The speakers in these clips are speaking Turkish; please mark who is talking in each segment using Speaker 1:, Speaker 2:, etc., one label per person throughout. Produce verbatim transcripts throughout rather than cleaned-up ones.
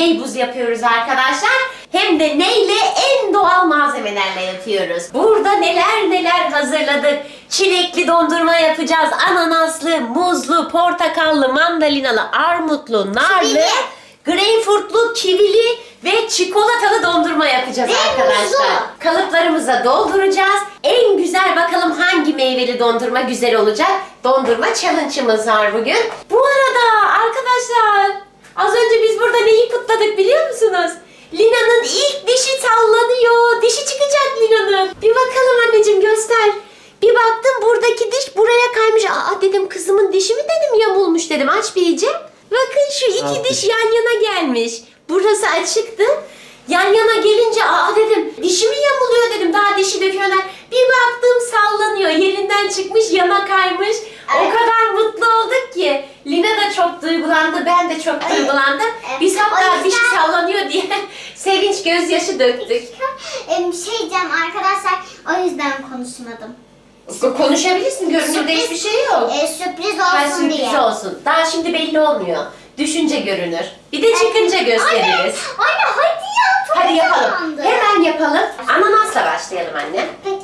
Speaker 1: meybuz yapıyoruz arkadaşlar. Hem de neyle? En doğal malzemelerle yapıyoruz. Burada neler neler hazırladık. Çilekli dondurma yapacağız. Ananaslı, muzlu, portakallı, mandalinalı, armutlu, narlı,
Speaker 2: Kivili.
Speaker 1: greyfurtlu, kivili ve çikolatalı dondurma yapacağız
Speaker 2: Ve
Speaker 1: arkadaşlar.
Speaker 2: muzlu.
Speaker 1: Kalıplarımıza dolduracağız. En güzel bakalım hangi meyveli dondurma güzel olacak. Dondurma challenge'ımız var bugün. Bu arada arkadaşlar az önce biz burada neyi kutladık biliyor musunuz? Lina'nın ilk dişi sallanıyor. Dişi çıkacak Lina'nın. Bir bakalım anneciğim, göster. Bir baktım buradaki diş buraya kaymış. Aa dedim, kızımın dişi mi dedim, yamulmuş dedim. Aç bir iyice. Bakın şu iki
Speaker 3: Alt
Speaker 1: diş
Speaker 3: diş.
Speaker 1: yan yana gelmiş. Burası açıktı. Yan yana gelince aa dedim, dişi mi yamuluyor dedim. Daha dişi döküyorlar. Bir baktım sallanıyor. Yerinden çıkmış, yana kaymış. O
Speaker 2: Evet.
Speaker 1: kadar mutlu olduk ki. Lina da çok duygulandı. Ben de çok
Speaker 2: Evet.
Speaker 1: duygulandım.
Speaker 2: Evet.
Speaker 1: Biz
Speaker 2: O
Speaker 1: hatta
Speaker 2: yüzden-
Speaker 1: dişi sallanıyor diye sevinç gözyaşı döktük.
Speaker 2: Em, şey diyeceğim arkadaşlar, o yüzden konuşmadım.
Speaker 1: Konuşabilirsin. Görünürde
Speaker 2: Sürpriz-
Speaker 1: hiçbir şey yok.
Speaker 2: E, sürpriz
Speaker 1: Ha,
Speaker 2: olsun
Speaker 1: sürpriz
Speaker 2: diye.
Speaker 1: olsun. Daha şimdi belli olmuyor. Düşünce görünür. Bir de çıkınca gösteririz.
Speaker 2: Anne, anne hadi ya. Çok
Speaker 1: Hadi yapalım.
Speaker 2: heyecanlandım.
Speaker 1: Hemen yapalım. Ananasla başlayalım anne.
Speaker 2: Peki.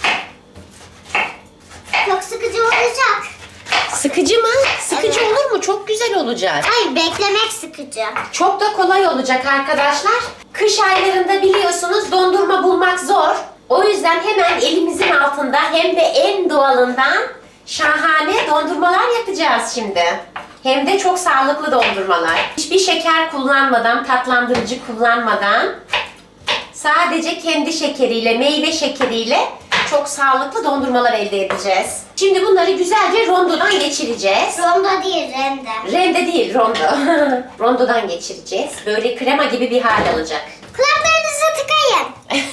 Speaker 2: Çok sıkıcı olacak.
Speaker 1: Sıkıcı mı? Sıkıcı
Speaker 2: Evet.
Speaker 1: olur mu? Çok güzel olacak.
Speaker 2: Hayır, beklemek sıkıcı.
Speaker 1: Çok da kolay olacak arkadaşlar. Kış aylarında biliyorsunuz dondurma bulmak zor. O yüzden hemen elimizin altında hem de en doğalından şahane dondurmalar yapacağız şimdi. Hem de çok sağlıklı dondurmalar. Hiçbir şeker kullanmadan, tatlandırıcı kullanmadan sadece kendi şekeriyle, meyve şekeriyle çok sağlıklı dondurmalar elde edeceğiz. Şimdi bunları güzelce rondodan geçireceğiz.
Speaker 2: Rondo değil, rende.
Speaker 1: Rende değil, rondo. Rondodan geçireceğiz. Böyle krema gibi bir hal alacak.
Speaker 2: Kulaklarınızı tıkayın.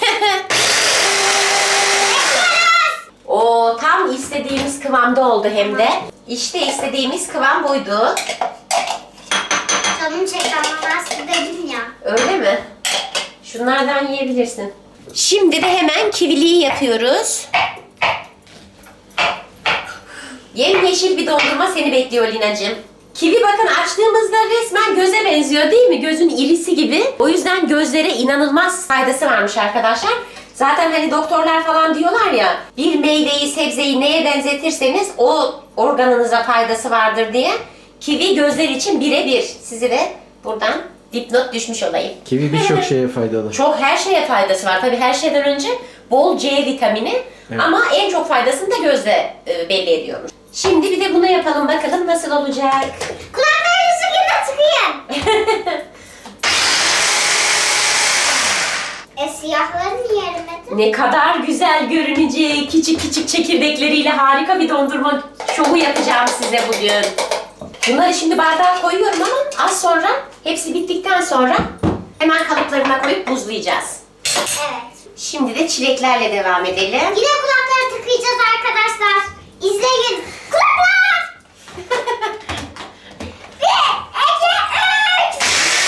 Speaker 1: O tam istediğimiz kıvamda oldu hem de. İşte istediğimiz kıvam buydu.
Speaker 2: Canım çekti ama nasıl dedim ya.
Speaker 1: Öyle mi? Şunlardan yiyebilirsin. Şimdi de hemen kiviliyi yapıyoruz. Yemyeşil bir dondurma seni bekliyor Linacığım. Kivi bakın açtığımızda resmen göze benziyor değil mi? Gözün irisi gibi. O yüzden gözlere inanılmaz faydası varmış arkadaşlar. Zaten hani doktorlar falan diyorlar ya, bir meyveyi, sebzeyi neye benzetirseniz o organınıza faydası vardır diye. Kivi gözler için birebir. Sizi de buradan dipnot düşmüş olayım.
Speaker 3: Kivi birçok şeye faydalı.
Speaker 1: Çok her şeye faydası var. Tabii her şeyden önce bol C vitamini,
Speaker 3: Evet.
Speaker 1: ama en çok faydasını da gözle e, belli ediyormuş. Şimdi bir de bunu yapalım bakalım nasıl olacak.
Speaker 2: Kulaklarınızı yine tıkayın. e siyahları niye erimedi?
Speaker 1: Ne kadar güzel görünecek. Küçük küçük çekirdekleriyle harika bir dondurma şovu yapacağım size bugün. Bunları şimdi bardağa koyuyorum ama az sonra, hepsi bittikten sonra hemen kalıplarına koyup buzlayacağız.
Speaker 2: Evet.
Speaker 1: Şimdi de çileklerle devam edelim.
Speaker 2: Yine kulakları tıkayacağız arkadaşlar. İzleyin. Kulaklar! Bir, iki, üç.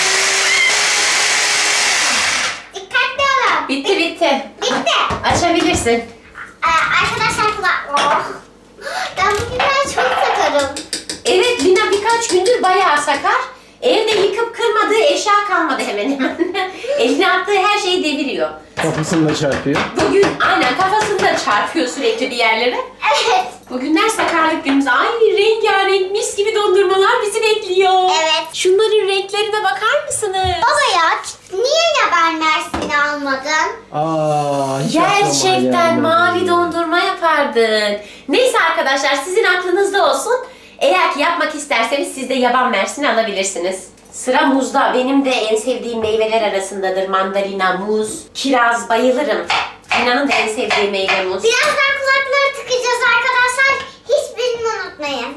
Speaker 2: Dikkatli olun.
Speaker 1: Bitti bitti.
Speaker 2: Bitti.
Speaker 1: Açabilirsin.
Speaker 2: Ee, arkadaşlar kulak... Oh. Ben bugünler çok takarım.
Speaker 1: Evet, Lina birkaç gündür bayağı sakar. Evde yıkıp kırmadığı eşya kalmadı hemen hemen. Eline attığı her şeyi deviriyor.
Speaker 3: Kafasını da çarpıyor.
Speaker 1: Bugün aynen kafasını da çarpıyor sürekli bir yerlere.
Speaker 2: Evet.
Speaker 1: Bugünler sakarlık günümüz. Ay rengarenk mis gibi dondurmalar bizi bekliyor.
Speaker 2: Evet.
Speaker 1: Şunların renklerine bakar mısınız?
Speaker 2: Baba ya niye yaban mersini almadın?
Speaker 3: Aa, hiç aklıma
Speaker 1: Gerçekten
Speaker 3: gelmedi.
Speaker 1: mavi dondurma yapardın. Neyse arkadaşlar, sizin aklınızda olsun. Eğer ki yapmak isterseniz siz de yaban mersini alabilirsiniz. Sıra muzda. Benim de en sevdiğim meyveler arasındadır. Mandalina, muz, kiraz bayılırım. Lina'nın da en sevdiği meyve muz.
Speaker 2: Birazdan kulakları tıkayacağız arkadaşlar. Hiçbirini unutmayın.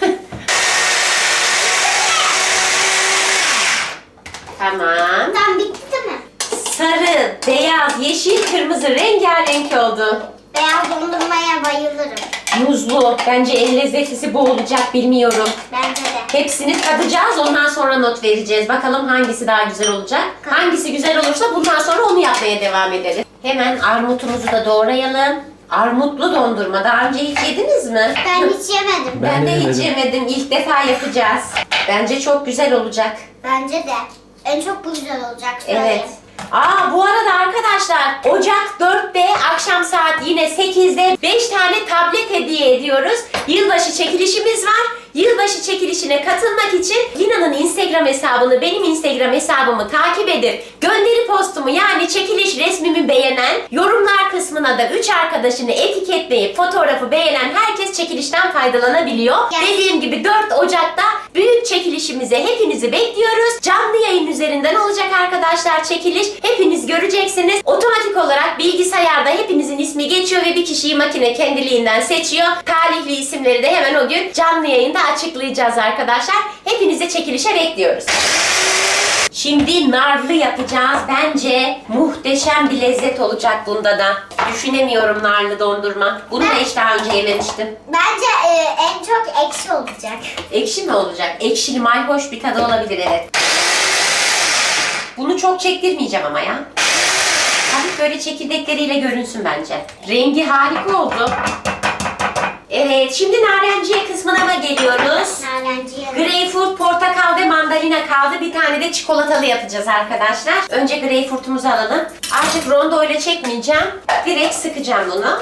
Speaker 1: Tamam.
Speaker 2: Tamam bitti mi?
Speaker 1: Sarı, beyaz, yeşil, kırmızı rengarenk oldu.
Speaker 2: Beyaz dondurmaya bayılırım.
Speaker 1: Muzlu. Bence en lezzetlisi bu olacak, bilmiyorum.
Speaker 2: Bence de.
Speaker 1: Hepsini tadacağız, ondan sonra not vereceğiz. Bakalım hangisi daha güzel olacak. Hangisi güzel olursa bundan sonra onu yapmaya devam ederiz. Hemen armutumuzu da doğrayalım. Armutlu dondurma. Daha önce hiç yediniz mi?
Speaker 2: Ben hiç yemedim.
Speaker 1: Ben,
Speaker 3: Ben
Speaker 1: de
Speaker 3: de
Speaker 1: hiç
Speaker 3: yemedim.
Speaker 1: yemedim. İlk defa yapacağız. Bence çok güzel olacak.
Speaker 2: Bence de. En çok bu güzel olacak. Söyleyeyim.
Speaker 1: Evet. Aa bu arada arkadaşlar Ocak dörtte akşam saat yine sekizde beş tane tablet hediye ediyoruz. Yılbaşı çekilişimiz var. Yılbaşı çekilişine katılmak için Lina'nın Instagram hesabını, benim Instagram hesabımı takip edip gönderi postumu yani çekiliş resmimi beğenen, yorumlar kısmına da üç arkadaşını etiketleyip fotoğrafı beğenen herkes çekilişten faydalanabiliyor.
Speaker 2: Yes.
Speaker 1: Dediğim gibi dört Ocak'ta büyük çekilişimize hepinizi bekliyoruz. Canlı yayın üzerinden olacak arkadaşlar çekiliş. Hepiniz göreceksiniz. Otomatik olarak bilgisayarda hepinizin ismi geçiyor ve bir kişiyi makine kendiliğinden seçiyor. Talihli isimleri de hemen o gün canlı yayında açıklayacağız arkadaşlar. Hepinizi çekilişe bekliyoruz. Şimdi narlı yapacağız. Bence muhteşem bir lezzet olacak bunda da. Düşünemiyorum narlı dondurma. Bunu da hiç daha önce yememiştim.
Speaker 2: Bence e, en çok ekşi olacak.
Speaker 1: Ekşi mi olacak? Ekşili mayhoş bir tadı olabilir evet. Bunu çok çektirmeyeceğim ama ya. Hafif böyle çekirdekleriyle görünsün bence. Rengi harika oldu. Evet, şimdi narenciye kısmına da geliyoruz.
Speaker 2: Narenciye.
Speaker 1: Greyfurt, portakal ve mandalina kaldı. Bir tane de çikolatalı yapacağız arkadaşlar. Önce greyfurtumuzu alalım. Artık rondo ile çekmeyeceğim. Direkt sıkacağım bunu.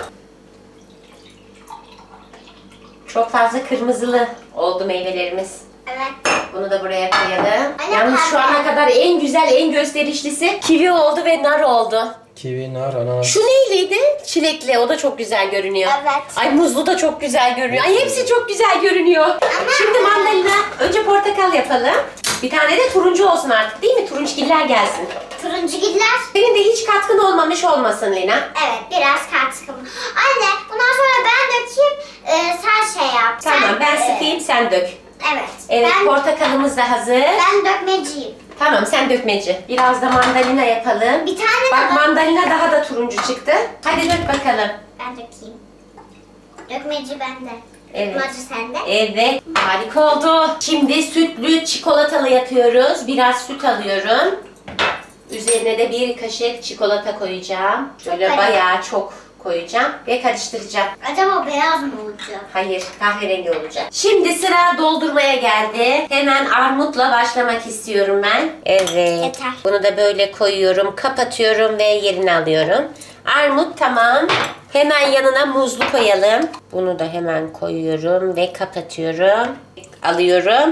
Speaker 1: Çok fazla kırmızılı oldu meyvelerimiz.
Speaker 2: Evet.
Speaker 1: Bunu da buraya koyalım.
Speaker 2: Anne,
Speaker 1: Yalnız şu
Speaker 2: pembe.
Speaker 1: ana kadar en güzel, en gösterişlisi kivi oldu ve nar oldu.
Speaker 3: Kivi, nar, ananas.
Speaker 1: Şu neyliydi? Çilekli. O da çok güzel görünüyor.
Speaker 2: Evet.
Speaker 1: Ay muzlu da çok güzel görünüyor. Ay hepsi çok güzel görünüyor. Şimdi mandalina. Önce portakal yapalım. Bir tane de turuncu olsun artık değil mi? Turunçgiller gelsin.
Speaker 2: Turuncu giller.
Speaker 1: Senin de hiç katkın olmamış olmasın Lina.
Speaker 2: Evet, biraz katkım. Anne, bundan sonra ben dökeyim, e, sen şey yap.
Speaker 1: Tamam
Speaker 2: sen,
Speaker 1: ben
Speaker 2: e,
Speaker 1: sıkayım sen dök.
Speaker 2: Evet.
Speaker 1: Evet
Speaker 2: ben,
Speaker 1: portakalımız da hazır.
Speaker 2: ben dökmeciyim.
Speaker 1: Tamam sen dökmeci. Biraz da mandalina yapalım.
Speaker 2: Bir tane
Speaker 1: Bak
Speaker 2: de
Speaker 1: mandalina daha da turuncu çıktı. Hadi dök bakalım.
Speaker 2: ben dökeyim. Dökmeci bende.
Speaker 1: Evet.
Speaker 2: Macı sende.
Speaker 1: Evet harika oldu. Şimdi sütlü çikolatalı yapıyoruz. Biraz süt alıyorum. Üzerine de bir kaşık çikolata koyacağım. Şöyle
Speaker 2: Çok
Speaker 1: bayağı çok koyacağım ve karıştıracağım.
Speaker 2: Acaba beyaz mı olacak?
Speaker 1: Hayır, kahverengi olacak. Şimdi sıra doldurmaya geldi. Hemen armutla başlamak istiyorum ben. Evet.
Speaker 2: Yeter.
Speaker 1: Bunu da böyle koyuyorum, kapatıyorum ve yerine alıyorum. Armut tamam. Hemen yanına muzlu koyalım. Bunu da hemen koyuyorum ve kapatıyorum. Alıyorum.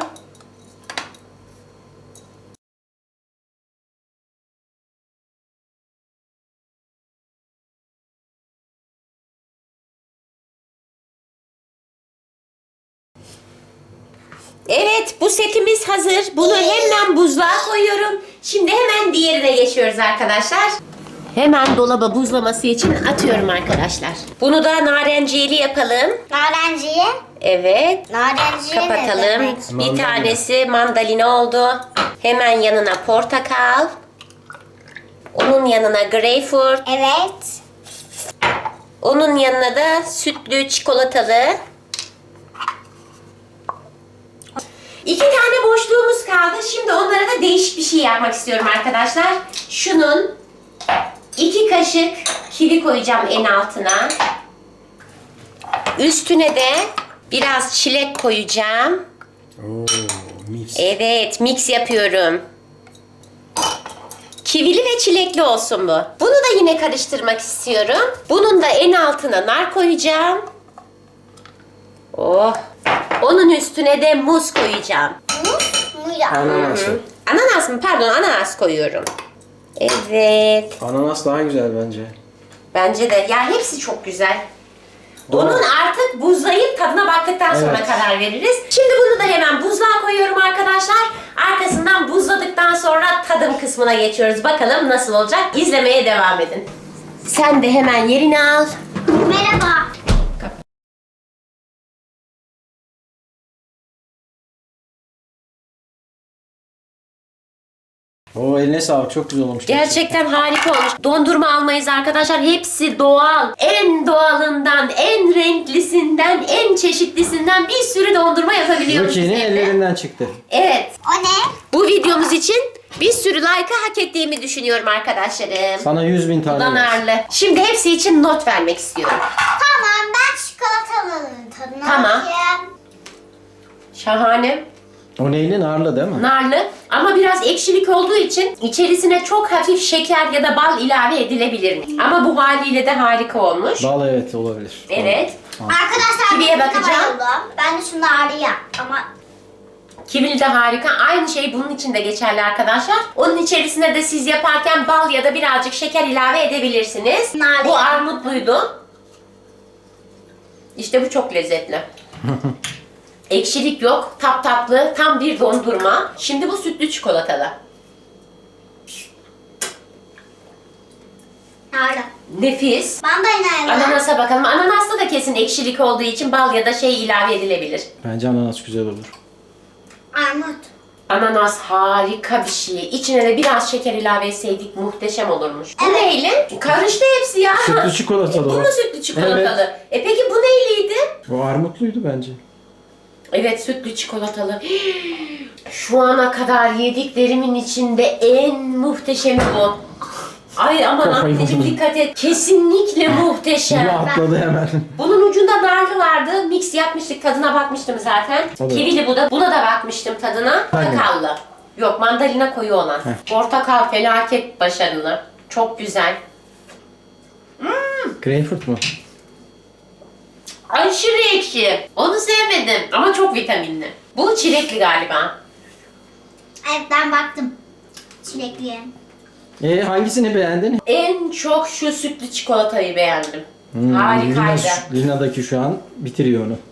Speaker 1: Evet bu setimiz hazır. Bunu hemen buzluğa koyuyorum. Şimdi hemen diğerine geçiyoruz arkadaşlar. Hemen dolaba buzlaması için atıyorum arkadaşlar. Bunu da narenciyeli yapalım.
Speaker 2: Narenciye.
Speaker 1: Evet.
Speaker 2: Narenciye ne
Speaker 1: Kapatalım.
Speaker 2: demek?
Speaker 1: Bir
Speaker 3: Mandalina.
Speaker 1: tanesi mandalina oldu. Hemen yanına portakal. Onun yanına greyfurt.
Speaker 2: Evet.
Speaker 1: Onun yanına da sütlü çikolatalı. İki tane boşluğumuz kaldı. Şimdi onlara da değişik bir şey yapmak istiyorum arkadaşlar. Şunun iki kaşık kivi koyacağım en altına. Üstüne de biraz çilek koyacağım.
Speaker 3: Oo, mis.
Speaker 1: Evet, mix yapıyorum. Kivili ve çilekli olsun bu. Bunu da yine karıştırmak istiyorum. Bunun da en altına nar koyacağım. Oh. Onun üstüne de muz koyacağım.
Speaker 2: Muz mu ya?
Speaker 3: Ananas.
Speaker 1: Hı. Ananas mı? Pardon, ananas koyuyorum. Evet.
Speaker 3: Ananas daha güzel bence.
Speaker 1: Bence de. Ya hepsi çok güzel. Onun artık buzlayıp tadına baktıktan sonra
Speaker 3: Evet.
Speaker 1: karar veririz. Şimdi bunu da hemen buzluğa koyuyorum arkadaşlar. Arkasından buzladıktan sonra tadım kısmına geçiyoruz. Bakalım nasıl olacak? İzlemeye devam edin. Sen de hemen yerini al.
Speaker 2: Merhaba.
Speaker 3: Oo eline sağlık, çok güzel olmuş.
Speaker 1: Gerçekten harika olmuş. Dondurma almayız arkadaşlar. Hepsi doğal. En doğalından, en renklisinden, en çeşitlisinden bir sürü dondurma yapabiliyoruz.
Speaker 3: Rukiye'nin
Speaker 1: biz evde.
Speaker 3: ellerinden çıktı.
Speaker 1: Evet.
Speaker 2: O ne?
Speaker 1: Bu videomuz için bir sürü like'ı hak ettiğimi düşünüyorum arkadaşlarım.
Speaker 3: Sana yüz bin
Speaker 1: Bu
Speaker 3: tane.
Speaker 1: da
Speaker 3: versin.
Speaker 1: narlı. Şimdi hepsi için not vermek istiyorum.
Speaker 2: Tamam, ben çikolatalının tadına
Speaker 1: Tamam.
Speaker 2: bakayım.
Speaker 1: Şahane.
Speaker 3: O neyli, narlı değil mi?
Speaker 1: Narlı. Ama biraz ekşilik olduğu için içerisine çok hafif şeker ya da bal ilave edilebilir mi? Ama bu haliyle de harika olmuş.
Speaker 3: Bal evet olabilir.
Speaker 1: Evet.
Speaker 2: Arkadaşlar
Speaker 1: Kiviye
Speaker 2: ben buna
Speaker 1: bakacağım.
Speaker 2: bayıldım. Ben de şunu arayayım ama
Speaker 1: Kivili de harika. Aynı şey bunun için de geçerli arkadaşlar. Onun içerisine de siz yaparken bal ya da birazcık şeker ilave edebilirsiniz.
Speaker 2: Nane.
Speaker 1: Bu armutluydu. İşte bu çok lezzetli. Ekşilik yok. Tap tatlı. Tam bir dondurma. Şimdi bu sütlü çikolatalı.
Speaker 2: nerede?
Speaker 1: Nefis.
Speaker 2: Mandalina.
Speaker 1: Ananasa bakalım. Ananasta da kesin ekşilik olduğu için bal ya da şey ilave edilebilir.
Speaker 3: Bence ananas güzel olur.
Speaker 2: Armut.
Speaker 1: Ananas harika bir şey. İçine de biraz şeker ilave etseydik muhteşem olurmuş. Bu
Speaker 2: Evet.
Speaker 1: neyle? Karıştı hepsi ya.
Speaker 3: Sütlü çikolatalı
Speaker 1: Bu
Speaker 3: o.
Speaker 1: mu sütlü çikolatalı? E peki bu neyliydi?
Speaker 3: O armutluydu bence.
Speaker 1: Evet, sütlü çikolatalı. Şu ana kadar yediklerimin içinde en muhteşemi bu. Ay aman
Speaker 3: Kafayı
Speaker 1: anneciğim
Speaker 3: buldum.
Speaker 1: dikkat et. Kesinlikle
Speaker 3: Bunu
Speaker 1: muhteşem.
Speaker 3: atladı hemen.
Speaker 1: Bunun ucunda narlı vardı. Mix yapmıştık. Tadına bakmıştım zaten.
Speaker 3: O da-
Speaker 1: Kivili bu da. Buna da bakmıştım tadına.
Speaker 3: Hangi?
Speaker 1: Portakallı. Yok, mandalina koyu olan.
Speaker 3: Heh.
Speaker 1: Portakal felaket başarılı. Çok güzel.
Speaker 3: Greyfurt mu?
Speaker 1: Aşırı ekşi. Onu sevmedim ama çok vitaminli. Bu çilekli galiba.
Speaker 2: Evet ben baktım. Çilekliye.
Speaker 3: E hangisini beğendin?
Speaker 1: En çok şu sütlü çikolatayı beğendim.
Speaker 3: Hmm,
Speaker 1: Harikaydı.
Speaker 3: Lina, Lina'daki şu an bitiriyor onu.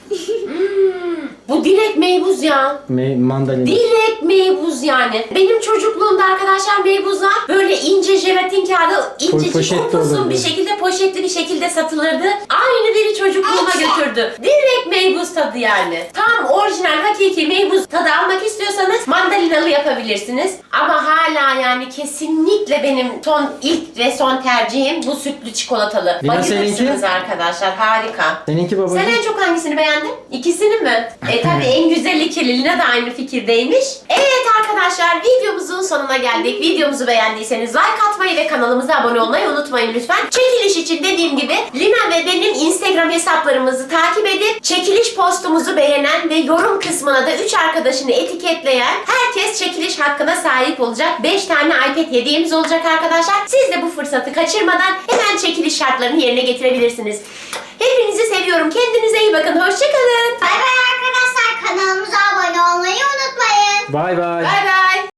Speaker 1: Bu direkt meybuz ya.
Speaker 3: Me mandalina.
Speaker 1: Direkt meybuz yani. Benim çocukluğumda arkadaşlar meybuzlar böyle ince jelatin kağıdı, incecik
Speaker 3: poşetli
Speaker 1: upuzun
Speaker 3: olurdu.
Speaker 1: bir şekilde poşetli bir şekilde satılırdı. Aynı biri çocukluğuma götürdü. Direkt meybuz tadı yani. Tam orijinal hakiki meybuz tadı almak istiyorsanız mandalinalı yapabilirsiniz. Ama hala yani kesinlikle benim son ilk ve son tercihim bu sütlü çikolatalı.
Speaker 3: Lina,
Speaker 1: Bayılırsınız
Speaker 3: seninki?
Speaker 1: arkadaşlar, harika.
Speaker 3: Seninki babacığım?
Speaker 1: Sen en çok hangisini beğendin? İkisini mi? E tabi en güzeli Lina da aynı fikirdeymiş. Evet arkadaşlar, videomuzun sonuna geldik. Videomuzu beğendiyseniz like atmayı ve kanalımıza abone olmayı unutmayın lütfen. Çekiliş için dediğim gibi Lina ve benim Instagram hesaplarımızı takip edip çekiliş postumuzu beğenen ve yorum kısmına da üç arkadaşını etiketleyen herkes çekiliş hakkına sahip olacak. beş tane iPad hediyemiz olacak arkadaşlar. Siz de bu fırsatı kaçırmadan hemen çekiliş şartlarını yerine getirebilirsiniz. Hepinizi seviyorum. Kendinize iyi bakın. Hoşçakalın.
Speaker 2: Bay bay arkadaşlar, kanalımıza abone olmayı unutmayın.
Speaker 3: Bay bay.
Speaker 1: Bay bay.